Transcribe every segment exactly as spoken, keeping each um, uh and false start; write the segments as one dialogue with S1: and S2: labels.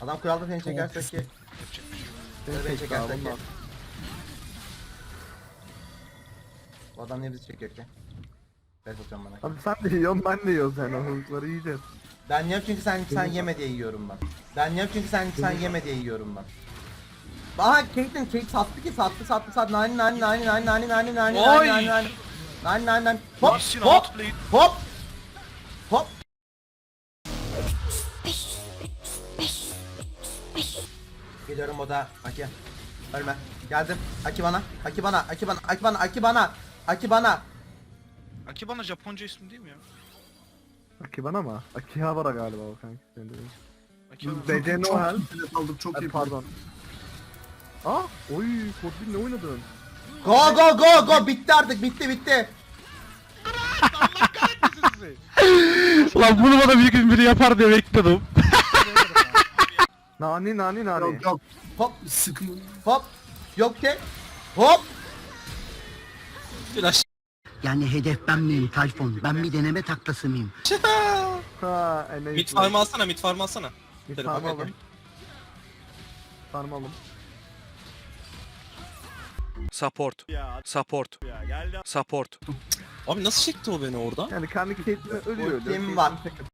S1: Adam kuralda seni çekerse ki.
S2: Beni
S1: Beni
S2: çekti
S1: çekerse
S2: abi
S1: ki.
S2: bunlar.
S1: Bu adam niye bizi çekiyor ki? Ben atacağım bana.
S2: Abi sen de yiyorsun ben de yiyoruz yani o hızları yiyeceğiz.
S1: Ben yiyorum çünkü sen sen yeme diye yiyorum ben. Ben yiyorum çünkü sen sen yeme diye yiyorum ben. Aha Caitlyn Caitlyn sattı ki sattı sattı sattı nani nani nani nani nani nani nani
S3: Oy!
S1: nani nani nani nani nani hop
S3: Mission
S1: hop
S3: outplayed.
S1: hop hop. Geliyorum oda Aki. Ölme. Geldim. Aki bana. Aki bana. Aki bana. Aki bana. Aki bana. Aki bana.
S3: Akibana Japonca ismi değil mi ya?
S2: Akibana mı? Akihabara galiba o kanka. Senin dediğin.
S3: Akibana.
S2: B C Noel.
S4: Bilet aldık çok
S2: Ay,
S4: iyi.
S2: pardon. Aa, oy Kodbin ne oynadın?
S1: Go go go go bitti artık bitti bitti.
S5: Ulan bunu bana bir gün biri yapar diye bekliyordum.
S2: Nani nani nani.
S4: Yok yok.
S1: Hop
S4: Sıkma.
S1: hop. Yok ki. Hop.
S3: Flash.
S6: Yani hedef ben miyim Tayfun? Ben bir deneme taklası mıyım?
S2: Ha, en
S7: Mid farm alsana, mid farm alsana.
S2: Mid
S7: Telefon
S2: farm
S1: bakayım.
S2: alın. Farm alın.
S5: Support. Support. Support.
S7: Abi nasıl çekti o beni oradan?
S2: Yani kendi Caitlyn'e ölüyor ölüyor.
S1: Ultim var.
S2: Caitlyn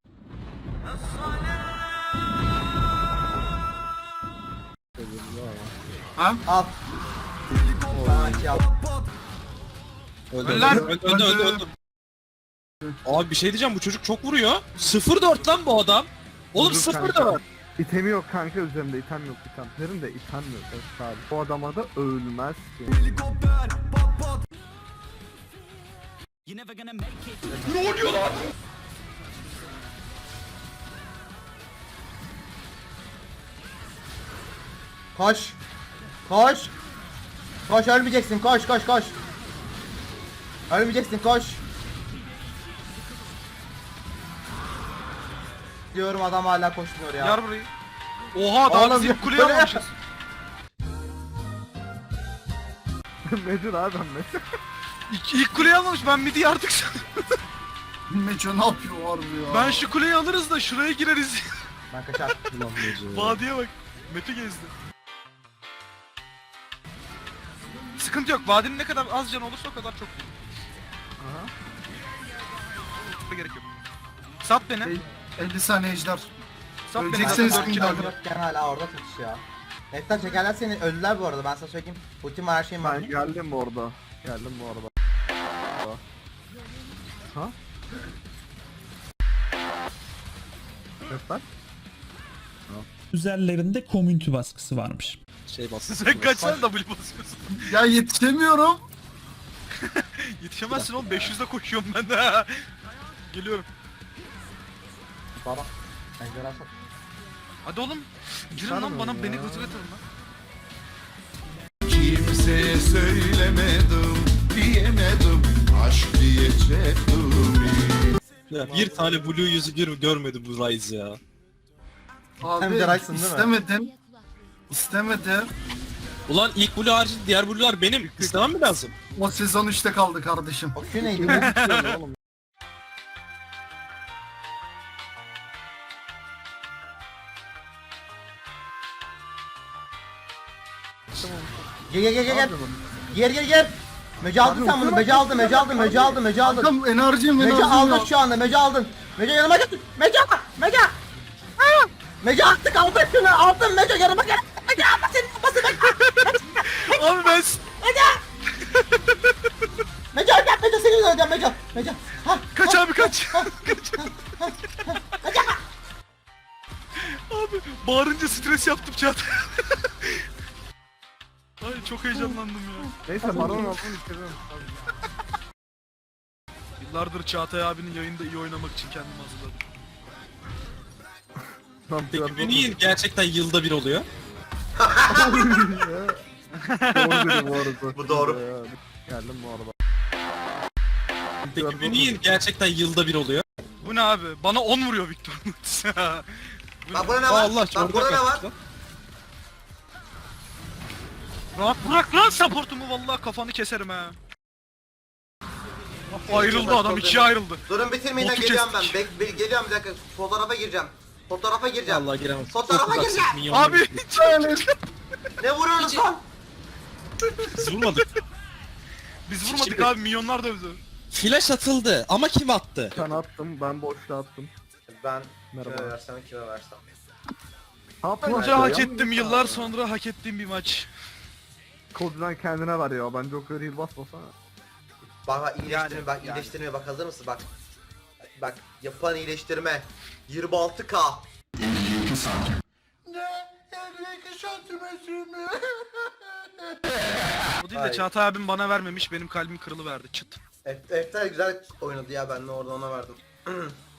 S4: Ha?
S1: Al. Sana iki al.
S7: Öldü,
S4: Ölen-
S7: öldü, öldü, öldü, öldü, öldü. Abi bir şey diyeceğim, bu çocuk çok vuruyor. sıfır dört lan bu adam. Oğlum
S2: Dur
S7: sıfır
S2: kanka.
S7: dört.
S2: İtemi yok kanka üzerimde item yok item. Üzerimde item yok evet, sadece. O adama da ölmez ki.
S1: Koş. Koş. Koş ölmeyeceksin koş koş koş. Ölmeyeceksin koş. Diyorum adam hala koşmuyor ya.
S3: Yar burayı. Oha daha
S1: Oğlum,
S3: biz ilk kuleye
S1: böyle-
S3: almamışız.
S2: Medur abi ben Medur.
S3: İlk, ilk kuleyi almamış, ben midi yardık sanırım.
S4: Meço ne yapıyor harbi ya?
S3: Ben şu kuleyi alırız da şuraya gireriz.
S1: Ben kaçar.
S3: Vadiye bak. Mete gezdi. Sıkıntı yok. Vadinin ne kadar az canı olursa o kadar çok iyi.
S2: Aha.
S3: Gerek yok. Sat beni.
S4: Ey, elli saniye ejder.
S3: Sat beni.
S4: öleceksiniz
S3: Zaten dört
S4: şimdi
S3: kill
S4: abi.
S3: aldım.
S1: Bırak gene hala orada tutmuş ya. Neftan çekerler seni öldüler bu arada ben sana söyleyeyim. Ultim var her şeyim var.
S2: Ben geldim orada. Geldim bu arada. Ha? Evet lan.
S8: Üzerlerinde community baskısı varmış.
S7: Şey bastı.
S3: Sen kaç tane W basıyorsun?
S4: Ya yetişemiyorum.
S3: Yetişemezsin oğlum, beş yüzde koşuyorum ben de. Geliyorum.
S1: Baba. Ejderha sat.
S3: Hadi oğlum. Girin
S2: Sarmıyor
S3: lan bana,
S2: ya.
S3: beni gıcık atın lan.
S9: Kimseye söylemedim, diyemedim, aşk diyecektim.
S7: Ya bir tane blue yüzü bir görmedi bu Ryze ya.
S4: Abi
S1: de Ryzen değil mi?
S4: istemedim. İstemedim.
S7: Ulan ilk blue harici diğer blue'lar benim. İstemem mi lazım?
S4: O sezon üçte kaldı kardeşim.
S1: O şu neydi be?
S2: Oğlum.
S1: Gel gel gel gel gel. Gel gel gel. Mece aldın sen bunu. Mece aldın, Mece aldın, Mece aldın, Mece aldın.
S4: Kankam enerjim
S1: Mece
S4: enerjim
S1: aldın
S4: yok.
S1: şu anda, Mece aldın. Mece yanıma gel. Mece, Mece. Aa! Mece attık, aldık şunu, aldın Mece yanıma gel. Mece alma senin kafası Mece.
S3: Abi ben...
S1: Mece öldüm, Mece seni öldüm, Mece. Mece. Ha,
S3: Kaç abi kaç. Kaç. Abi bağırınca stres yaptım Çağatay. Ay çok heyecanlandım ya.
S2: Neyse baron aldım istiyorum.
S3: Yıllardır Çağatay abinin yayında iyi oynamak için kendimi hazırladım.
S7: Peki bu niye gerçekten yılda bir oluyor?
S2: Doğru dedi bu arada.
S1: Bu doğru.
S2: Ee, Geldim bu arada.
S7: Peki bu niye gerçekten yılda bir oluyor?
S3: Bu ne abi? Bana on vuruyor Victor. Bu
S1: Bak
S3: ne?
S1: burada ne
S7: Aa,
S1: var?
S7: Allah
S1: Bak
S7: çorba
S1: burada ne var?
S7: kaçtı lan.
S3: Rahat bırak lan supportumu, vallahi kafanı keserim ha. Ayrıldı adam, ikiye ayrıldı.
S1: Durun bitirmeyin
S3: Botu
S1: geliyorum ben.
S3: kestik.
S1: Bek, be- geliyorum bir dakika. Fotoğrafa gireceğim. Fotoğrafa gireceğim.
S7: Vallahi giremem.
S1: Fotoğrafa
S7: Çok uzaksın,
S1: gireceğim.
S7: minyonlar
S3: Abi
S7: gitti.
S1: Ne vuruyorsunuz lan?
S7: Biz vurmadık.
S3: biz vurmadık abi, milyonlar da bize.
S7: Flash atıldı ama kim attı?
S2: Sen attım, ben boşta attım.
S1: Ben
S2: Merhaba.
S1: kime versem kime versem.
S2: Ha,
S3: Bence
S2: Plaka
S3: hak
S2: ya.
S3: ettim, yıllar sonra hak ettiğim bir maç.
S2: Kodudan kendine ver ya, ben Joker heal basmasana.
S1: Bak bak iyileştirme
S3: Yani,
S1: bak
S3: yani.
S1: iyileştirme bak hazır mısın bak. Bak yapılan iyileştirme. yirmi altı K.
S9: elli iki santim.
S3: O değil
S1: Ay.
S3: de Çağatay abim bana vermemiş, benim kalbim kırılıverdi çıt.
S1: Eftel güzel oynadı ya, ben de orada ona verdim.